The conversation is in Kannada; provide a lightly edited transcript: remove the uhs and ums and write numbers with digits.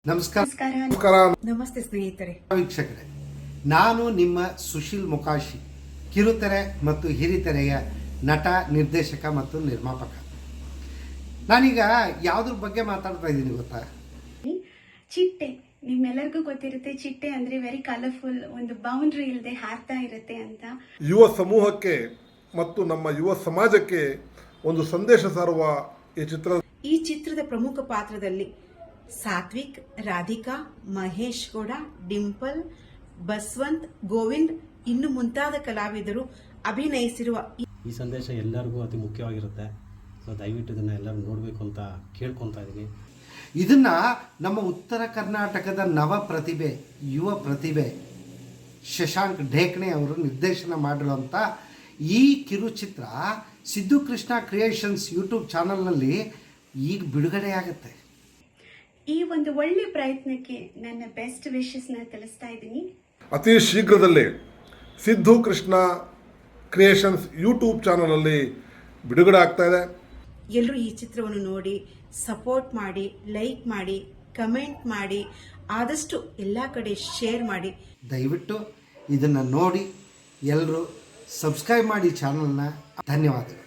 ನಮಸ್ಕಾರ. ನಮಸ್ತೆ ಸ್ನೇಹಿತರೆ, ವೀಕ್ಷಕರೇ, ನಾನು ನಿಮ್ಮ ಸುಶೀಲ್ ಮುಕಾಶಿ, ಕಿರುತೆರೆ ಮತ್ತು ಹಿರಿತೆರೆಯ ನಟ, ನಿರ್ದೇಶಕ ಮತ್ತು ನಿರ್ಮಾಪಕ. ನಾನೀಗ ಯಾವುದ್ರ ಬಗ್ಗೆ ಮಾತಾಡ್ತಾ ಇದ್ದೀನಿ ಗೊತ್ತಾ? ಚಿಟ್ಟೆ. ನಿಮ್ಮೆಲ್ಲರಿಗೂ ಗೊತ್ತಿರುತ್ತೆ, ಚಿಟ್ಟೆ ಅಂದ್ರೆ ವೆರಿ ಕಲರ್ಫುಲ್, ಒಂದು ಬೌಂಡ್ರಿ ಇಲ್ಲದೆ ಹಾರ್ತಾ ಇರುತ್ತೆ ಅಂತ. ಯುವ ಸಮೂಹಕ್ಕೆ ಮತ್ತು ನಮ್ಮ ಯುವ ಸಮಾಜಕ್ಕೆ ಒಂದು ಸಂದೇಶ ಸಾರುವ ಈ ಚಿತ್ರದ ಪ್ರಮುಖ ಪಾತ್ರದಲ್ಲಿ ಸಾತ್ವಿಕ್, ರಾಧಿಕಾ, ಮಹೇಶ್ ಗೌಡ, ಡಿಂಪಲ್, ಬಸವಂತ್, ಗೋವಿಂದ್ ಇನ್ನು ಮುಂತಾದ ಕಲಾವಿದರು ಅಭಿನಯಿಸಿರುವ ಈ ಸಂದೇಶ ಎಲ್ಲರಿಗೂ ಅತಿ ಮುಖ್ಯವಾಗಿರುತ್ತೆ. ಸೊ ದಯವಿಟ್ಟು ಇದನ್ನ ಎಲ್ಲರೂ ನೋಡಬೇಕು ಅಂತ ಕೇಳ್ಕೊತಾ ಇದ್ದೀನಿ. ಇದನ್ನ ನಮ್ಮ ಉತ್ತರ ಕರ್ನಾಟಕದ ನವ ಪ್ರತಿಭೆ, ಯುವ ಪ್ರತಿಭೆ ಶಶಾಂಕ್ ಢೇಕಣೆ ಅವರು ನಿರ್ದೇಶನ ಮಾಡಿರುವಂಥ ಈ ಕಿರುಚಿತ್ರ ಸಿದ್ದು ಕೃಷ್ಣ ಕ್ರಿಯೇಷನ್ಸ್ ಯೂಟ್ಯೂಬ್ ಚಾನಲ್ನಲ್ಲಿ ಈಗ ಬಿಡುಗಡೆಯಾಗುತ್ತೆ. ಈ ಒಂದು ಒಳ್ಳೆ ಪ್ರಯತ್ನಕ್ಕೆ ನನ್ನ ಬೆಸ್ಟ್ ವಿಶಸ್ನ ತಿಳಿಸ್ತಾ ಇದ್ದೀನಿ. ಅತಿ ಶೀಘ್ರದಲ್ಲೇ ಸಿದ್ದು ಕೃಷ್ಣ ಕ್ರಿಯೇಷನ್ಸ್ ಯೂಟ್ಯೂಬ್ ಚಾನಲಲ್ಲಿ ಬಿಡುಗಡೆ ಆಗ್ತಾ ಇದೆ. ಎಲ್ಲರೂ ಈ ಚಿತ್ರವನ್ನು ನೋಡಿ ಸಪೋರ್ಟ್ ಮಾಡಿ, ಲೈಕ್ ಮಾಡಿ, ಕಮೆಂಟ್ ಮಾಡಿ, ಆದಷ್ಟು ಎಲ್ಲ ಕಡೆ ಶೇರ್ ಮಾಡಿ. ದಯವಿಟ್ಟು ಇದನ್ನು ನೋಡಿ ಎಲ್ಲರೂ ಸಬ್ಸ್ಕ್ರೈಬ್ ಮಾಡಿ ಚಾನಲ್ನ. ಧನ್ಯವಾದಗಳು.